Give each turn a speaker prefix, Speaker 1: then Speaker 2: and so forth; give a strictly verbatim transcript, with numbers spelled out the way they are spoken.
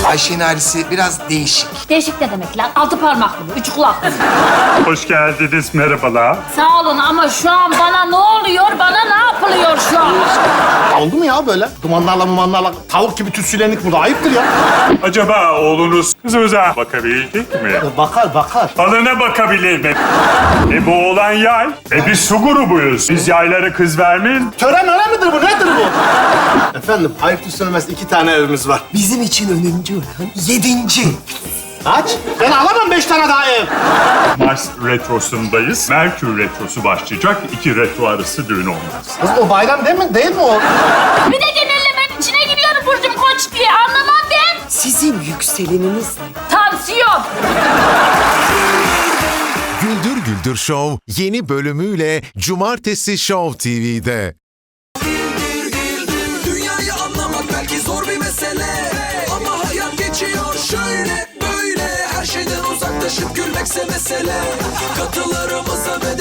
Speaker 1: Ayşe'nin ailesi biraz değişik.
Speaker 2: Değişik ne demek lan? Altı parmaklı mı? Üç kulaklı mı?
Speaker 3: Hoş geldiniz, merhabalar.
Speaker 2: Sağ olun ama şu an bana ne oluyor? Bana ne yapılıyor şu an?
Speaker 4: Oldu mu ya böyle? Dumanlarla mumanlarla tavuk gibi tütsülendik burada. Ayıptır ya.
Speaker 3: Acaba oğlunuz kızımıza bakabildik mi?
Speaker 4: Bakar bakar.
Speaker 3: Balına bakabilir mi? E bu oğlan yay. E biz su grubuyuz. Biz yaylara kız vermeyiz.
Speaker 4: Tören öyle midir bu? Nedir bu? Efendim ayıp söylemez iki tane evimiz var.
Speaker 1: Bizim için önemli olan yedinci.
Speaker 4: Kaç? Ben alamam beş tane daha ev.
Speaker 3: Mars retrosundayız. Merkür retrosu başlayacak. İki retro arası düğün olmaz.
Speaker 4: Kız o bayram değil mi? Değil mi o?
Speaker 2: Bir de genellemenin içine giriyorum Burcum Koç diye. Anlamam ben.
Speaker 5: Sizin yükseleniniz ne?
Speaker 2: Tansiyon.
Speaker 6: Güldür Güldür Show yeni bölümüyle Cumartesi Show T V'de.
Speaker 7: Dünyayı anlamak belki zor bir mesele, ama hayat geçiyor şöyle böyle. Her şeyden uzaklaşıp gülmekse mesele. Katılarımıza ve